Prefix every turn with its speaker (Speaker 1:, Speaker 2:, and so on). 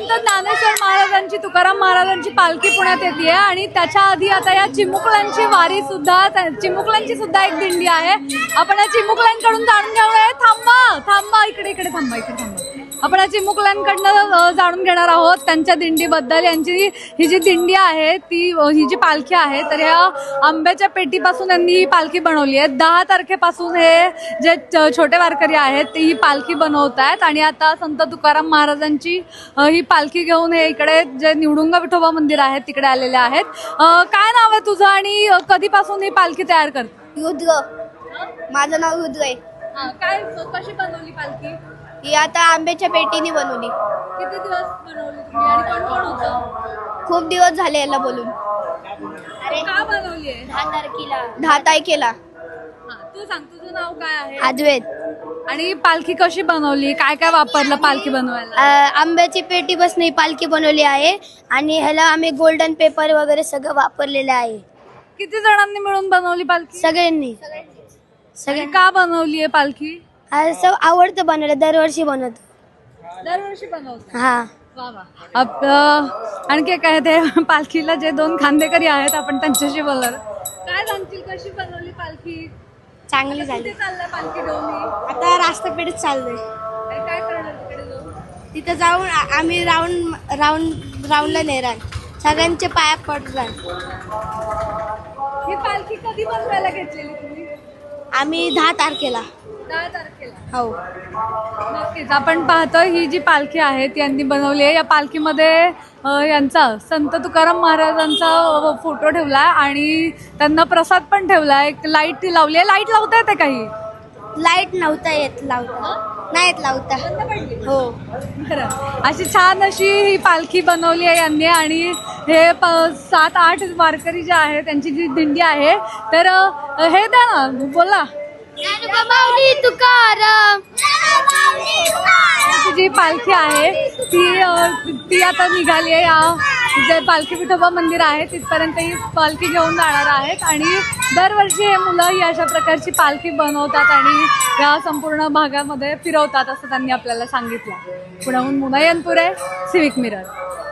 Speaker 1: संत ज्ञानेश्वर महाराजांची तुकाराम महाराजांची पालखी पुण्यात येते आणि त्याच्या आधी आता या चिमुकल्यांची वारी सुद्धा चिमुकल्यांची सुद्धा एक दिंडी आहे. आपण या चिमुकल्यांकडून जाणून घेऊया. थांबा थांबा इकडे इकडे थांबा इकडे थांबा. आपण या चिमुकल्यांकडनं जाणून घेणार आहोत त्यांच्या दिंडीबद्दल. यांची ही जी दिंडी आहे ती ही जी पालखी आहे तर ह्या आंब्याच्या पेटीपासून यांनी ही पालखी बनवली आहे. 10 तारखेपासून हे जे छोटे वारकरी आहेत ते ही पालखी बनवत आहेत आणि आता संत तुकाराम महाराजांची ही पालखी घेऊन हे इकडे जे निवडुंगा विठोबा मंदिर आहे तिकडे आलेले आहेत. काय नाव आहे तुझं आणि कधीपासून ही पालखी तयार करते?
Speaker 2: रुद्र. माझं नाव रुद्र आहे.
Speaker 1: काय कशी बनवली पालखी?
Speaker 2: ही आता आंब्याच्या पेटीने बनवली.
Speaker 1: किती दिवस बनवली तुम्ही आणि कोण कोण होतं?
Speaker 2: खूप दिवस झाले याला बोलून.
Speaker 1: का बनवली आहे?
Speaker 2: 10 तारखेला.
Speaker 1: तू सांग तुझं नाव काय आहे?
Speaker 2: अद्वैत.
Speaker 1: आणि पालखी कशी बनवली? काय काय वापरलं पालखी बनवायला?
Speaker 2: आंब्याची पेटी बसणे ही पालखी बनवली आहे आणि ह्याला आम्ही गोल्डन पेपर वगैरे सगळं वापरलेलं आहे.
Speaker 1: किती जणांनी मिळून बनवली पालखी?
Speaker 2: सगळ्यांनी.
Speaker 1: सगळी का बनवली आहे पालखी?
Speaker 2: असं आवडतं बनवलं. दरवर्षी बनवतो.
Speaker 1: दरवर्षी बनवतो.
Speaker 2: हा.
Speaker 1: आणखी काय ते पालखीला जे 2 खांदेकरी आहेत आपण त्यांच्याशी बोलणार. काय सांगतील कशी बनवली पालखी?
Speaker 2: चांगली झाली.
Speaker 1: कुठे चाललाय पालखी घेऊन?
Speaker 2: आता राष्ट्रपेठेत चाललोय.
Speaker 1: काय करणार तिकडे जाऊन?
Speaker 2: तिथं जाऊन आम्ही राऊंडला नेणार. सगळ्यांचे पाया पडणार.
Speaker 1: ही पालखी कधी बनवायला घेतलेली तुम्ही?
Speaker 2: आम्ही 10 तारखेला.
Speaker 1: 10 तारखेला.
Speaker 2: हो.
Speaker 1: नक्कीच आपण पाहतो ही जी पालखी आहे ती यांनी बनवली आहे. या पालखीमध्ये यांचा संत तुकाराम महाराजांचा फोटो ठेवलाय आणि त्यांना प्रसाद पण ठेवलाय. एक लाईट लावली आहे. लाईट लावता येते काही?
Speaker 2: लाईट नव्हता येत लावता. नाही येत लावता. हो.
Speaker 1: बरं. अशी छान अशी ही पालखी बनवली आहे यांनी आणि हे 7-8 वारकरी जे आहे त्यांची जी दिंडी आहे तर हे द्या ना बोला.
Speaker 2: तुकाराम.
Speaker 1: जी पालखी आहे ती आता निघाली आहे. या जे पालखी विठोबा मंदिर आहे तिथपर्यंत ही पालखी घेऊन जाणार आहेत आणि दरवर्षी हे मुलं ही अशा प्रकारची पालखी बनवतात आणि या संपूर्ण भागामध्ये फिरवतात असं त्यांनी आपल्याला सांगितलं. पुण्याहून मुना यनपुरे, सिविक मिरर.